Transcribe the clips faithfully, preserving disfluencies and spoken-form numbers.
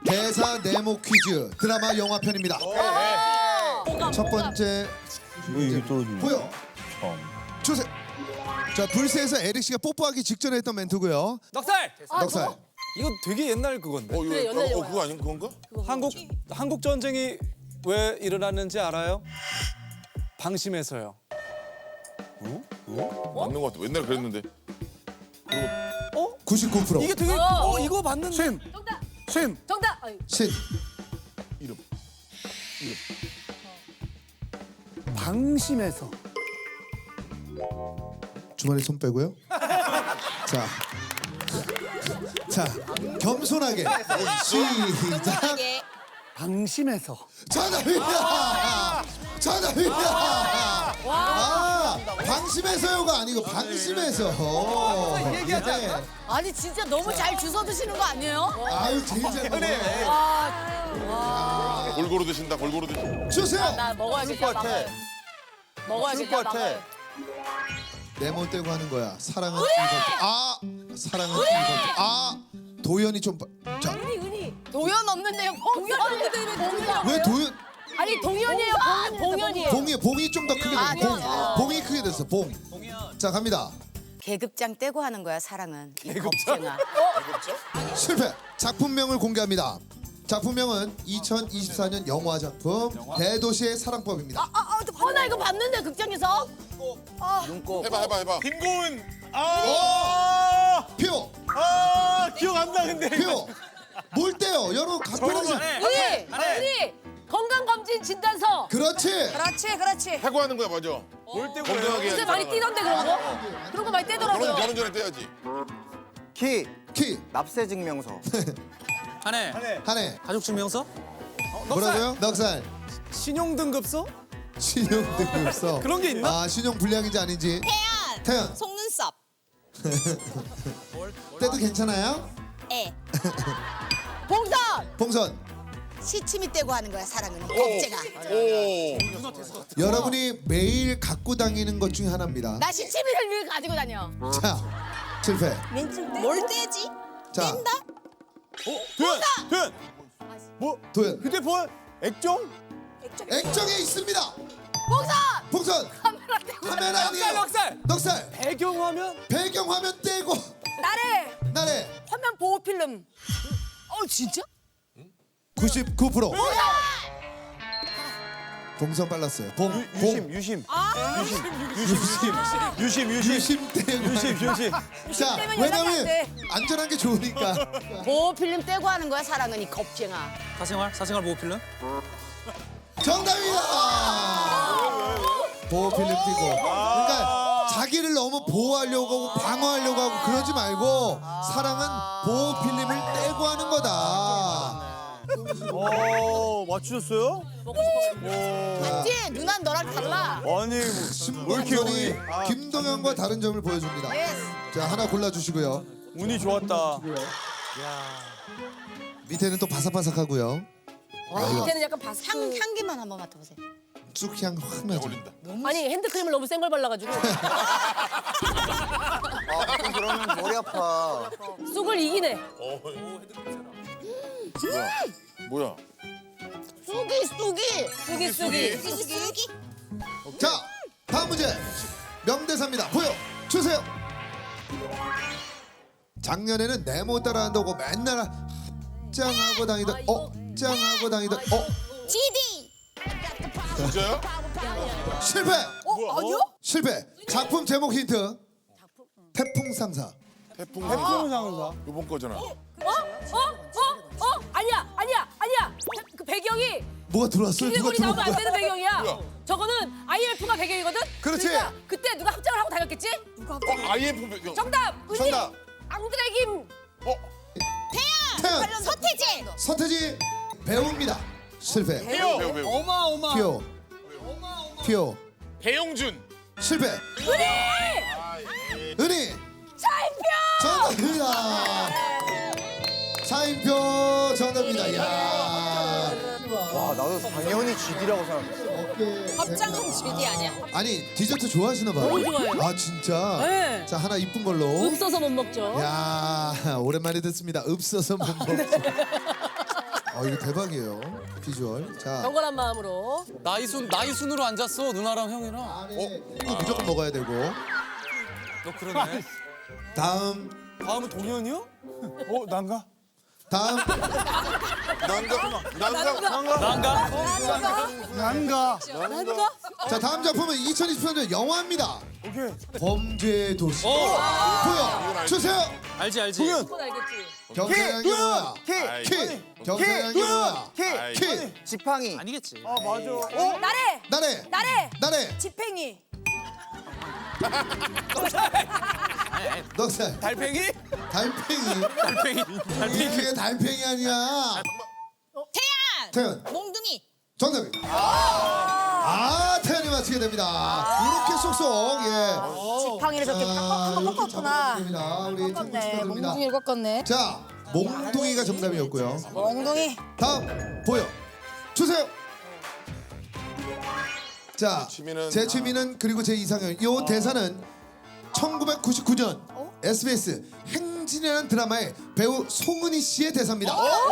대사 네모 퀴즈 드라마 영화 편입니다. 첫 번째 왜 이게 떨어지냐? 보여 참. 주세요. 자, 불새에서 에릭 씨가 뽀뽀하기 직전에 했던 멘트고요. 넉살! 넉살. 이거 되게 옛날 그건데. 어, 이거 그래, 옛날 어, 영화야. 그거 아닌 그건가? 한국 한국 전쟁이 왜 일어났는지 알아요? 방심해서요. 맞는 것 같아. 옛날에 그랬는데. 구십구 퍼센트 이게 되게 어 이거 맞는데. 신! 정답. 신! 정답. 아유, 신. 이름. 방심해서. 주머니 손 빼고요. 자, 자 겸손하게 시작. 방심해서. 정답입니다. 정답입니다. 아, 방심해서요가 아니고 방심해서. 예. 아니 진짜 너무 잘 주워 드시는 거 아니에요? 아유 제일 잘 먹어요. 와, 골고루 드신다. 골고루 드신다. 주세요. 나 먹어야지. 나 먹어야지. 먹어야지. 나 먹어야지. 네모 떼고 하는 거야. 사랑은 이것도. 아, 사랑은 이것도. 아, 도연이 좀. 봐- 자, 은희, 은희. 도연 없는데요. 봉연 없는데 왜 봉연? 왜 도연? 아니 동연이에요. 봉, 봉연이에요. 봉이 봉이 좀 더 크게 됐어. 아, 봉. 네. 봉이 크게 됐어. 봉. 자, 갑니다. 계급장 떼고 하는 거야 사랑은. 겁쟁아. 실패. 작품명을 공개합니다. 작품명은 이천이십사 년 영화 작품 대도시의 사랑법입니다. 아, 아, 어, 나 이거 봤는데 극장에서. 해봐, 해봐, 해봐. 김고은! 아! 표, 아! 기억 안 나는데. 표. 뭘 떼요? 여러분 각별하시. 은희, 은희. 건강검진 진단서. 그렇지. 그렇지, 그렇지. 해고하는 거야, 맞아. 뭘 떼고 건강하게 요새 해야지. 많이 뛰던데 그런 거? 그런 거 많이 결혼, 떼더라고요. 결혼 전에 떼야지. 키 키, 납세 증명서. 한해 한해. 가족 증명서? 뭐라고요? 넉살. 신용 등급서? 신용 등급서. 그런 게 있나? 아, 신용 불량인지 아닌지. 태연. 태연. 속눈썹. 떼도 괜찮아요? 에. 봉선. 봉선. 시치미 떼고 하는 거야 사랑은. 겁쟁아. 오. 여러분이 매일 갖고 다니는 것 중에 하나입니다. 나 시치미를 늘 가지고 다녀. 자, 실패. 뭘 떼지? 자, 도현! 도현! 뭐? 도연. 휴대폰? 액정? 액정에 있습니다. 봉선. 봉선. 카메라 떼고. 카메라 아니에요. 넉살! 넉살. 배경화면? 배경화면 떼고. 나래. 나래. 화면 보호 필름. 어 진짜? 구십구 퍼센트. 봉선 빨랐어요. 봉. 유심, 봉. 유심. 아. 유심, 유심. 유심, 유심. 유심 떼고. 유심, 유심. 자, 떼면 연락이 안 왜냐면 돼. 안전한 게 좋으니까. 보호 필름 떼고 하는 거야 사랑은 이 겁쟁아. 사생활? 사생활 보호 필름? 정답이다. 보호 필름 띄고. 그러니까 자기를 너무 보호하려고 하고 방어하려고 하고 그러지 말고 사랑은 보호 필름을 떼고 하는 거다. 어, 맞추셨어요? 맞지? 누난 너랑 달라. 아니, 뭐, 왜 이렇게 신봉선이 운이, 김동현과 다른 점을 보여줍니다. 자, 하나 골라주시고요. 운이 좋았다. 밑에는 또 바삭바삭하고요. 와, 밑에는 약간 바스. 향 향기만 한번 맡아보세요. 쑥향 확 나죠. 어울린다. 아니 핸드크림을 너무 센 걸 발라가지고 아, 그러면 머리 아파. 쑥을 이기네. 뭐야? 뭐야? 쑥이 쑥이. 쑥이 쑥이. 쑥이 쑥이. 자, 다음 문제 명대사입니다. 보여 주세요. 작년에는 네모 따라한다고 맨날 합장하고 다니던 어? 짱하고 다니던 어? 지디. 진짜요? 실패. 어 아니요? 실패. 작품 제목 힌트. 태풍 상사. 태풍 태풍 상사. 상사. 요번 거잖아. 어? 어? 어? 어? 아니야 아니야 아니야. 그 배경이 뭐가 들어왔어요? 누가 기대골이 들어온 나오면 안 거야? 되는 배경이야. 뭐야? 저거는 아이엠에프가 배경이거든. 그렇지. 그러니까 그때 누가 합장을 하고 다녔겠지? 누가 어, 아이엠프 배경. 정답. 은희. 정답. 앙드레김. 어? 태연. 서태지. 서태지 배우입니다. 실패. 배우, 배우, 배우. 어마어마. 피오. 피오. 배용준. 실패. 은희. 은희. 차인표. 정답입니다. 차인표 정답입니다. 이야. 와, 나도 당연히 지디라고 생각했어. 겁장은 지디 아니야. 아니 디저트 좋아하시나 봐요. 너무 좋아해요. 아 진짜. 네. 자 하나 이쁜 걸로. 없어서 못 먹죠. 야 오랜만에 듣습니다. 읍서서 못 먹죠. 이거 대박이에요. 비주얼. 자, 경건한 마음으로. 나이 순 나이 순으로 앉았어 누나랑 형이랑. 안에 이 무조건 먹어야 되고. 너 그러네. 다음, 다음은 동현이요? 어 난가? 다음. 난가 난가 난가? 난가. 난가? 자, 다음 작품은 이천이십삼 년 영화입니다. 오케이. 범죄의 도시. 어. 보여 주세요. 알지 알지. 동현. 그건 알겠지. 경쟁한 게 뭐야? 키. 키. 경쟁한 게 뭐야? 키. 키. 지팡이. 아니겠지. 아 맞아. 나래! 나래. 나래! 나래. 지팽이. 넉살. 달팽이? 달팽이. 달팽이. 달팽이. 이게 달팽이 아니야. 태연! 태연. 몽둥이. 정답입니다. 아, 태연이 맞히게 됩니다. 이렇게 쏙쏙. 예. 지팡이를 저렇게 한번 이렇게 꺾었구나. 잡아주게 됩니다. 우리 팀 네, 축하드립니다. 몽둥이를 꺾었네. 자, 몽둥이가 정답이었고요. 몽둥이. 다음 보여 주세요. 자, 취미는- 제 취미는 그리고 제 이상형. 이 대사는 천구백구십구 년 에스비에스 행진이라는 드라마의 배우 송은희 씨의 대사입니다.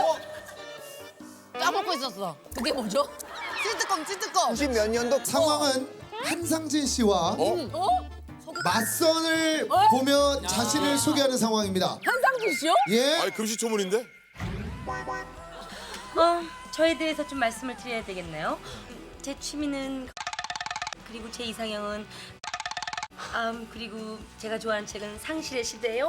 까먹고 있었어. 그게 뭐죠? 찐뜨껌, 찐뜨껌. 구십 몇 년도 상황은 한상진 씨와 어? 맞선을 어? 보며 자신을 소개하는 상황입니다. 한상진 씨요? 예. 아니 금시초문인데? 어, 저에 대해서 좀 말씀을 드려야 되겠네요. 제 취미는 그리고 제 이상형은 음, 그리고 제가 좋아하는 책은 상실의 시대예요.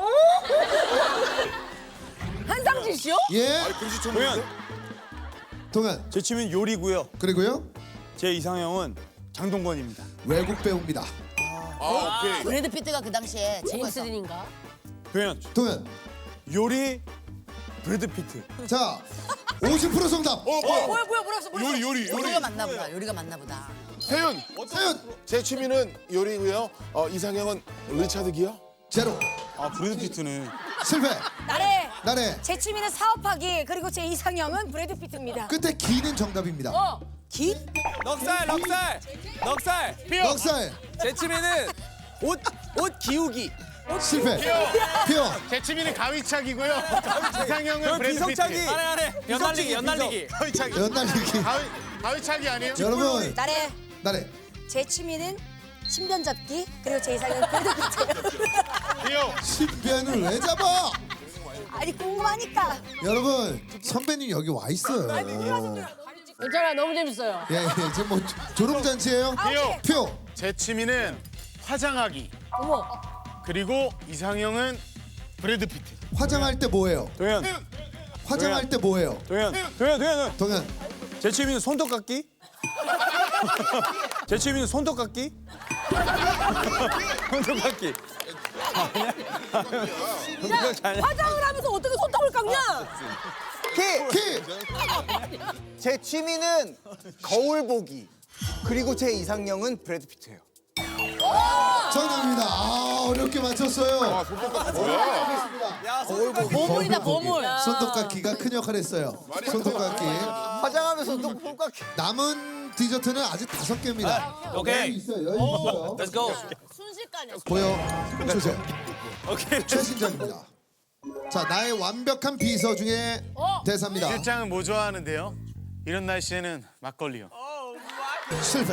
한상진 씨요? 예. 아니 금시초문인데? 동현. 제 취미는 요리고요. 그리고요. 제 이상형은 장동건입니다. 외국 배우입니다. 아 오케이. 브래드 피트가 그 당시에 제임스 딘인가? 동현. 동현. 요리 브래드 피트. 자, 오십 퍼센트 정답. 어 뭐야? 뭐야 뭐야 뭐라고 뭐라고? 요리 요리 요리. 요리가 맞나 보다. 요리가 맞나 보다. 태윤. 태연. 제 취미는 요리고요. 어 이상형은 리차드 기어. 제로. 아 브래드 피트는. 실패. 나래. 나래. 제 취미는 사업하기. 그리고 제 이상형은 브래드 피트입니다. 끝에 기는 정답입니다. 어. 기? 넉살 넉살 넉살. 넉살. 제 취미는 옷 옷 기우기. 실패. 피어. 제 취미는 가위차기고요. 이상형은 그럼 브래드 비석차기. 피트. 안해 안해. 연날리기 연날리기. 가위차기. 연날리기. 가위 가위차기 아니에요? 여러분. 나래. 나래. 제 취미는 신변 잡기. 그리고 제 이상형은 브래드 피트예요. 기어. 신변을 왜 잡아? 아니 궁금하니까. 여러분, 선배님 여기 와 있어요. 괜찮아 너무 재밌어요. 예, 예. 지금 뭐 조- 졸업잔치예요? 기어. 표. 제 취미는 화장하기. 어머. 그리고 이상형은 브래드 피트. 화장할 때 뭐예요? 동현. 화장할 때 뭐예요? 동현. 동현 동현. 동현. 제 취미는 손톱 깎기. 제 취미는 손톱 깎기. 손톱 깎기. 야 화장을 하면서 어떻게 손톱을 깎냐? 키. 키. 제 취미는 거울 보기. 그리고 제 이상형은 브래드 피트예요. 정답입니다. 아, 어렵게 맞췄어요. 보물이다 보물. 손톱깎이가 큰 역할을 했어요. 손톱깎이. 화장하면서 또 손깎이. 남은 디저트는 아직 다섯 개입니다. 오케이. 여유 있어요. 여유 있어요. Let's go. 순식간에. 보여 주세요. 오케이. 최신작입니다. 자, 나의 완벽한 비서 중에 대사입니다. 실장은 뭐 좋아하는데요? 이런 날씨에는 막걸리요. 실패.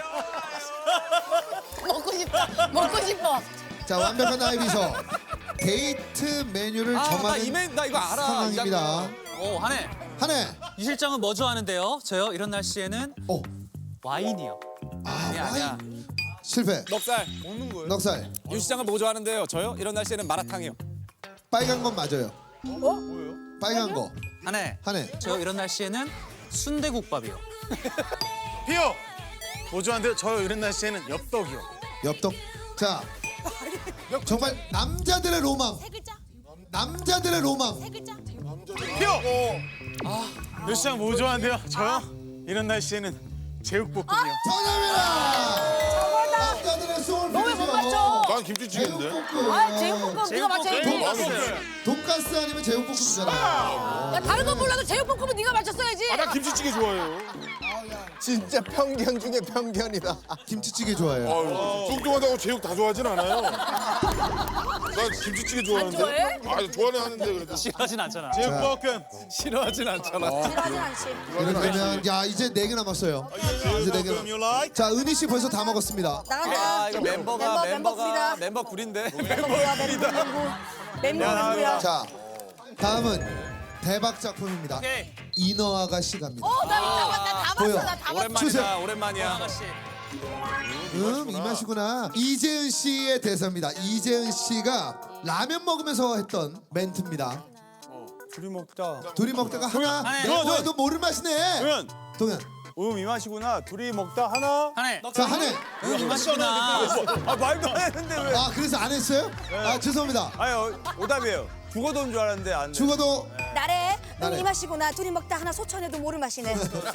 먹고 싶어. 먹고 싶어. 자, 완벽한 나의 비서. 데이트 메뉴를 아, 나 정하는 이메일 나 이거 알아. 상황입니다. 오 한해. 한해. 이 실장은 뭐 좋아하는데요? 저요 이런 날씨에는 어, 와인이요. 아, 아니야 아니야. 와인. 실패. 넉살 먹는 거예요. 넉살. 유 시장은 뭐 좋아하는데요? 저요 이런 날씨에는 마라탕이요. 빨간 건 맞아요. 어? 빨간 거. 한해. 한해. 저요 이런 날씨에는 순대국밥이요. 피어. 뭐 좋아하는데요? 저 이런 날씨에는 엽떡이요. 엽떡. 자, 정말 남자들의 로망. 남자들의 로망. 피어. 몇 시장 뭐 좋아하는데요? 저요? 이런 날씨에는 제육볶음이요. 정답이다. 남자들의 소울 너왜 못 푸드죠. 맞춰? 난 김치찌개인데. 제육볶음. 아 제육볶음 네가 맞춰야지. 돈가스 아니면 제육볶음이잖아. 야 다른 건 몰라도 제육볶음은 네가 맞췄어야지. 아, 나 김치찌개 좋아해요. 진짜 편견 중에 편견이다. 김치찌개 좋아해요. 아유, 뚱뚱하다고 제육 다 좋아하진 않아요. 나 김치찌개 좋아하는데. 좋아해? 아, 좋아는 하는데 그래도. 싫어하진 않잖아. 제육볶음. 싫어하진 않잖아. 싫어하진 않지. 그러면 야 이제 네 개 남았어요. 이제 네 개. you like? 자 은희 씨 벌써 다 먹었습니다. 나간다. 아 이거 멤버가 멤버, 멤버가 멤버 멤버 구린데. 멤버야 멤버 멤버. 멤버 멤버야. 자 다음은 대박 작품입니다. 오케이. 인어 아가씨 갑니다. 어나다 보여. 봤어. 나다 봤어. 주세요. 오랜만이다. 오랜만이야. 아가씨. 음, 이 맛이구나. 이재은 씨의 대사입니다. 이재은 씨가 라면 먹으면서 했던 멘트입니다. 둘이 먹다. 둘이 먹다가 하나 하나, 내고 동현, 해도 모를 맛이네. 동현. 동현. 음, 이 맛이구나. 둘이 먹다 하나. 한해. 자 한해. 이 맛이구나. 아, 말도 안 했는데 왜? 아 그래서 안 했어요? 아 죄송합니다. 아니, 어, 오답이에요. 죽어도 온 줄 알았는데 안 돼. 죽어도 나래. 나래. 응, 이 맛이구나. 둘이 먹다 하나 소천해도 모를 맛이네.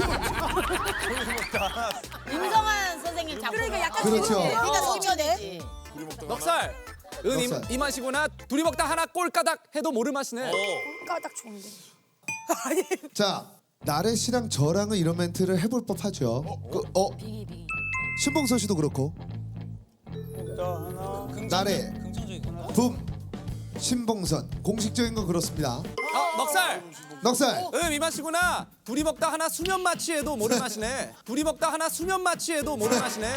임성환 선생님 작품. 그러니까 약간 그렇죠. 그러니까 소천해. 넉살. 은 이, 넉살. 이 맛이구나. 둘이 먹다 하나 꼴까닥 해도 모를 맛이네. 까딱 좋은데. 자 나래 씨랑 저랑은 이런 멘트를 해볼 법하죠. 그, 어 신봉선 씨도 그렇고 나래 붐 신봉선 공식적인 건 그렇습니다. 어, 넉살. 넉살 음, 이 맛이구나. 둘이 먹다 하나 수면 마취해도 모를 맛이네. 둘이 먹다 하나 수면 마취해도 모를 맛이네.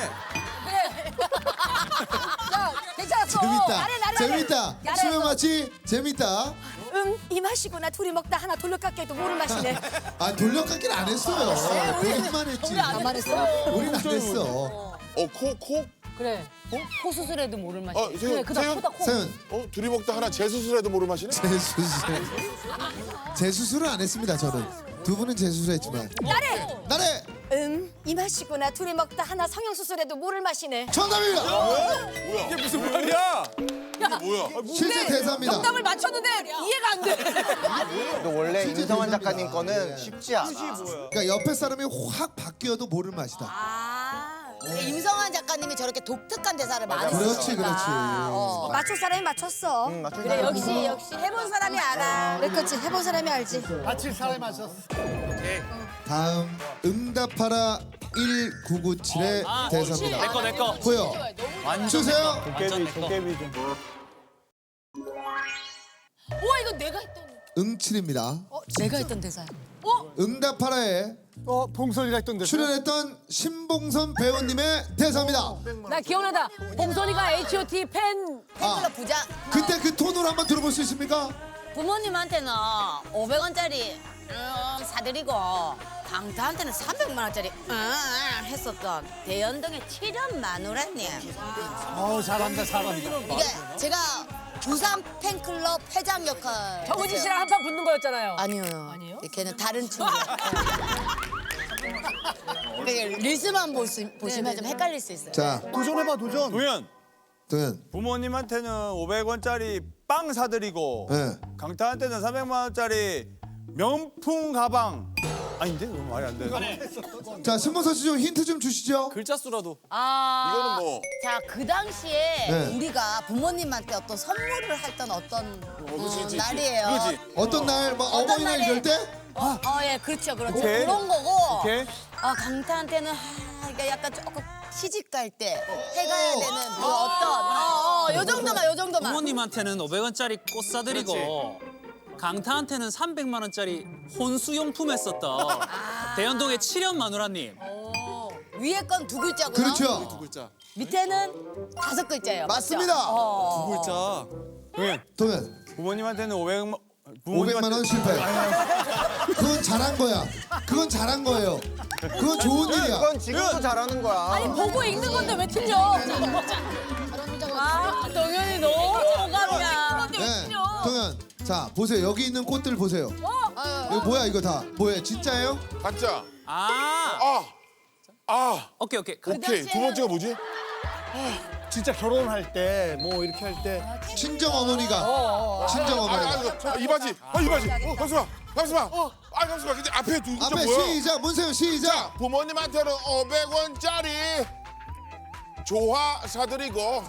야 괜찮았어. 재밌다 나래 나래. 재밌다 나래. 수면 마치 재밌다. 응, 이 맛이구나. 둘이 먹다 하나 돌려깎기 해도 모를 맛이네. 아 돌려깎기는 안 했어요. 우리만 했지. 안 했어? 우리는 안 했어. 어, 코, 코? 그래. 코 수술해도 모를 맛이. 어, 세윤, 세윤? 세윤 어, 둘이 먹다 하나 재수술해도 모를 맛이네? 재수술 재수술은 안 했습니다. 저는 두 분은 재수술했지만 나래. 나래 음, 이 맛이구나. 둘이 먹다 하나 성형수술해도 모를 맛이네. 정답입니다. 이게 무슨 말이야? 뭐야? 실제 대사입니다. 정답을 맞췄는데 이해가 안 돼. 근데 원래 진짜 임성환 죄송합니다. 작가님 거는 쉽지 않아. 그러니까 옆에 사람이 확 바뀌어도 모를 맛이다. 아, 임성환 작가님이 저렇게 독특한 대사를 많이 그렇지 쓰시니까. 그렇지. 어. 맞출 사람이 맞췄어. 응, 맞출 그래 사람이 역시 역시 해본 사람이 알아. 그래 그렇지 해본 사람이 알지. 다음 응답하라 일구구칠의 대사입니다. 내거 내거. 보여. 주세요. 도깨비, 도깨비 좀. 우와 이거 내가 했던. 응칠입니다. 내가 했던 대사야. 응답하라에 어, 봉선이가 했던 데. 출연했던 신봉선 배우님의 대사입니다. 나 기억나다. 봉선이가 에이치 오 티 팬. 아, 부자. 그때 그 톤으로 한번 들어볼 수 있습니까? 부모님한테는 오백 원짜리 음, 사드리고 강타한테는 삼백만 원짜리 음, 했었던 대연동의 칠연 마누라님. 어우, 잘한다, 잘한다. 이게 제가 부산 팬클럽 회장 역할. 정우진 씨랑 한판 붙는 거였잖아요. 아니요. 아니에요? 걔는 다른 친구. 리스만 보시, 보시면 좀 헷갈릴 수 있어요. 자, 도전해봐, 도전. 도현, 도현. 부모님한테는 오백 원짜리 빵 사드리고 네. 강타한테는 삼백만 원짜리 명품 가방. 아닌데? 그건 말이 안 돼. 자, 신봉선 씨 좀 힌트 좀 주시죠. 글자 수라도. 아, 이거는 뭐. 자, 그 당시에 네. 우리가 부모님한테 어떤 선물을 했던 어떤 그치, 어, 그치, 그치. 날이에요. 그렇지. 어떤 날, 뭐 어떤 어버이날 날에- 이럴 때? 어, 어, 예, 그렇죠, 그렇죠. 오케이. 그런 거고. 오케이. 아, 강타한테는 하, 이게 약간 조금 시집 갈 때 해가야 되는 그 어떤, 어, 어, 요 정도만, 요 정도만. 부모님한테는 오백 원짜리 꽃 사드리고 강타한테는 삼백만 원짜리 혼수용품 했었던 대연동의 칠연 마누라님. 위에 건 두 글자고요. 그렇죠. 글자. 밑에는 다섯 글자예요. 맞죠? 맞습니다. 어. 글자. 도현, 도현. 부모님한테는 오백만 오백만 원 실패. 그건 잘한 거야. 그건 잘한 거예요. 그건 좋은 일이야. 그건 지금도 잘하는 거야. 아니 보고 읽는 건데 왜 틀려? 아 동현이 너무 오감이야. 네, 동현. 자, 보세요. 여기 있는 꽃들 보세요. 이거 뭐야 이거 다? 뭐예요? 진짜예요? 가짜. 아. 아. 아. 오케이 오케이. 오케이. 두 번째가 뭐지? 진짜 결혼할 때, 뭐 이렇게 할 때. 친정 어머니가. 친정 아, 어머니가. 아, 이거, 이 바지. 아, 이 바지. 어, 잠시만. 잠시만. 아, 잠시만. 근데 앞에 두 글자 앞에 뭐야? 시작. 문세윤 시작. 부모님한테는 오백 원짜리 조화 사드리고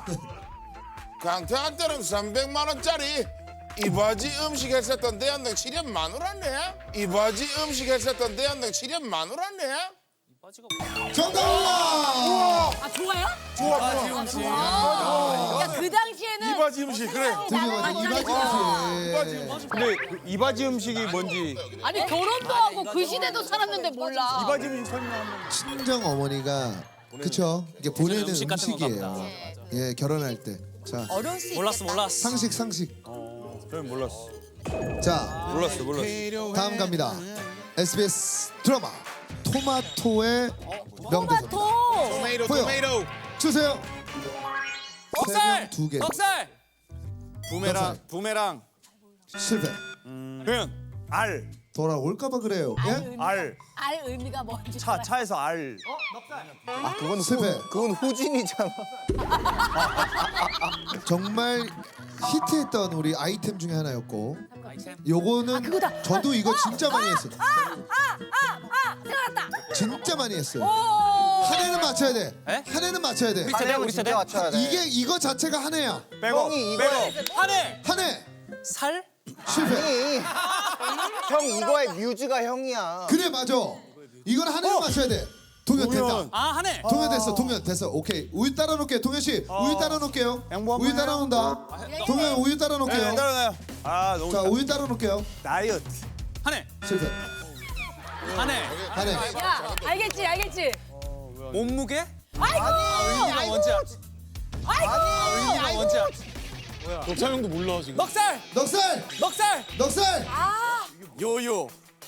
강태한테는 삼백만 원짜리 이 바지 음식 했었던 대한등 칠연 마누라네. 이 바지 음식 했었던 대한등 칠연 마누라네. 이바지가 정답입니다. 아 좋아요? 좋아 좋아. 아, 야그 당시에는 이바지 음식 그래. 드디어 맞아 이바지 음식. 근데 그 이바지 음식이 뭔지 아니 결혼도 하고 그 시대도 살았는데 몰라. 이바지 음식 설명 한번. 친정 어머니가 그쵸 이게 보내는 음식 같은 건가 음식이에요. 보다. 예 결혼할 때. 자 어려울 수 몰랐어 있겠다. 몰랐어. 상식 상식. 전 몰랐어. 자 몰랐어 몰랐어. 다음 갑니다. 에스비에스 드라마 토마토의 명대사. 토마토. 토메이토 보여. 토메이토. 주세요. 넉살. 두 개. 넉살. 부메랑 부메랑. 실패. 그냥 알. 돌아올까봐 그래요. 예? 알. 알 의미가 뭔지. 차 차에서 알. 아 그건 실패. 후, 그건 후진이잖아. 정말 히트했던 우리 아이템 중에 하나였고 아이템. 요거는 그거다. 저도 이거 진짜 많이 했어요. 아 생각났다. 진짜 많이 했어요. 오. 한 해는 맞춰야 돼. 에? 한 해는 맞춰야 돼. 우리 세대 한해는 우리 세대. 진짜 맞춰야 돼. 이게 이거 자체가 한 해야. 빼고 형이 이거 빼고. 한해. 한 해. 살. 실패. 아니 형 이거의 뮤즈가 형이야. 그래 맞아. 이건 한 해는 맞춰야 돼. 동현 동현. 됐다. 아 한해. 동현 됐어. 동현 됐어. 오케이. 우유 따라 놓을게요. 동현 씨 우유 따라 놓을게요. 양보 한번 우유 따라 해요. 놓는다. 동현 우유 따라 네, 놓을게요. 따라나요. 아 너무 자 우유 따라 놓을게요. 다이어트. 한해. 실패. 한해. 한 해. 야 알겠지 알겠지. 몸무게? 아이고. 의미가 뭔지 알아? 아이고. 의미가 뭔지 알아? 녹차형도 몰라 지금. 넉살. 넉살. 넉살. 넉살. 아 요요.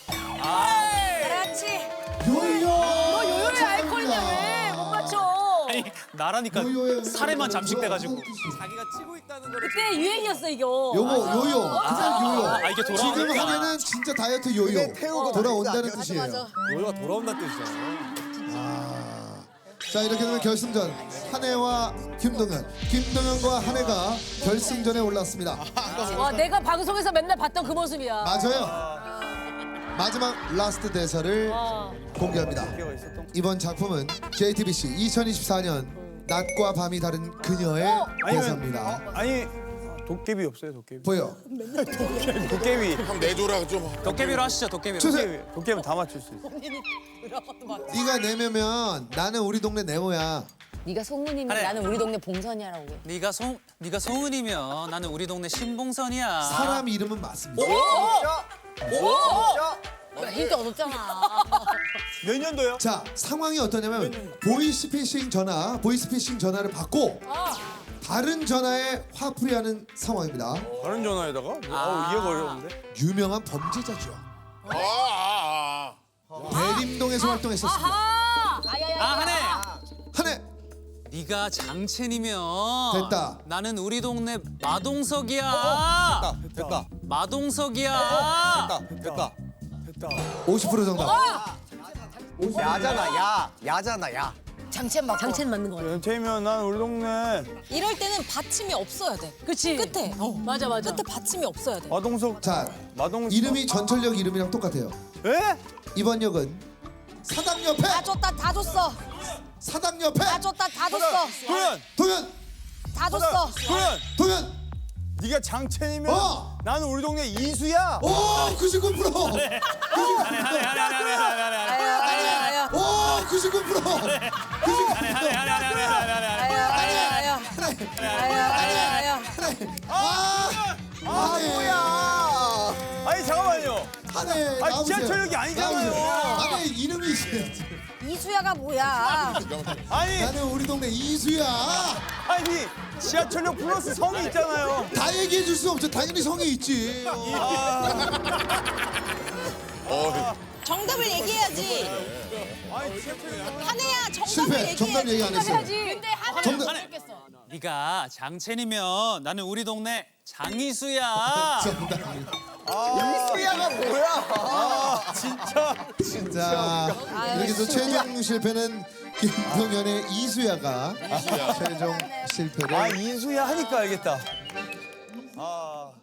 그렇지. 요요. 너 요요의 아이콘인데 왜 못 맞춰? 아니 나라니까 요요의 살에만 잠식돼가지고. 자기가 치고 있다는 걸. 그때 유행이었어 이거. 요거 요요. 그냥 요요. 아 이게 지금 돌아오니까. 한 해는 진짜 다이어트 요요. 그게 태우고 돌아온다는 다니지 뜻이에요. 맞아. 요요가 돌아온다 뜻이잖아. 자 이렇게 되면 결승전 한해와 김동현, 김동현과 한해가 결승전에 올랐습니다. 와 내가 방송에서 맨날 봤던 그 모습이야. 맞아요. 마지막 라스트 대사를 어. 공개합니다. 이번 작품은 제이티비씨 이천이십사 년 낮과 밤이 다른 그녀의 대사입니다. 아니 도깨비 없어요 도깨비. 보여. 도깨비. 형 내줘라 좀. 도깨비로 하시죠 도깨비로. 주세요. 도깨비는 다 맞출 수 있어. 네가 내면면 나는 우리 동네 네모야. 네가 송은이면 그래. 나는 우리 동네 봉선이라고. 네가 송 네가 송은이면 나는 우리 동네 신봉선이야. 사람 이름은 맞습니다. 야, 힌트 얻었잖아. 몇 년도요? 자 상황이 어떠냐면 보이스피싱 전화, 보이스피싱 전화를 받고 다른 전화에 화풀이하는 상황입니다. 다른 전화에다가? 뭐, 아우 이해가 어려운데. 유명한 범죄자죠. 아, 아, 아. 대림동에서 활동했었습니다. 아. 아 한해. 한해 네가 장첸이면 됐다. 나는 우리 동네 마동석이야. 됐다. 마동석이야. 됐다. 됐다. 오십 퍼센트 정답. 야잖아 야. 야잖아 야. 장첸 맞고. 장첸 맞는 거 같아. 연체면 난 우리 동네 이럴 때는 받침이 없어야 돼. 그치. 끝에. 맞아 맞아. 끝에 받침이 없어야 돼. 마동석. 자 마동석. 이름이 전철역 이름이랑 똑같아요. 에? 이번 역은 사당 옆에 다 줬다 다 줬어. 사당 옆에 다 줬다 다 줬어. 도현. 동현 다 줬어. 도현. 동현 네가 장첸이면 어! 나는 우리 동네 이수야. 오 구십구 퍼센트 한해 한해 한해 한해 한해 한해 한해. 아야 아야. 오 구십구 퍼센트 구십구 한해 한해 한해 한해 한해 한해. 아야 아야. 아야 아야. 아 아 뭐야? 아니 잠깐만요. 한해 아니, 나오세요. 지하철역이 아니잖아요. 나오세요. 한해 이름이 있어야지. 이수야가 뭐야? 아니 나는 우리 동네 이수야. 아니 지하철역 플러스 성이 있잖아요. 다 얘기해 줄 수 없죠. 당연히 성이 있지. 어, 정답을 얘기해야지. 아니 지하철역. 한혜야 정답을 실패. 얘기해. 정답 얘기 안 했어요. 해야지. 근데 한 정답. 한해. 네가 장첸이면 나는 우리 동네 장이수야. 정답. 이수야가 뭐야? 진짜. 자 이렇게 해서 최종 실패는 김동현의 이수야가 최종 실패를 아 이수야 하니까 알겠다. 아.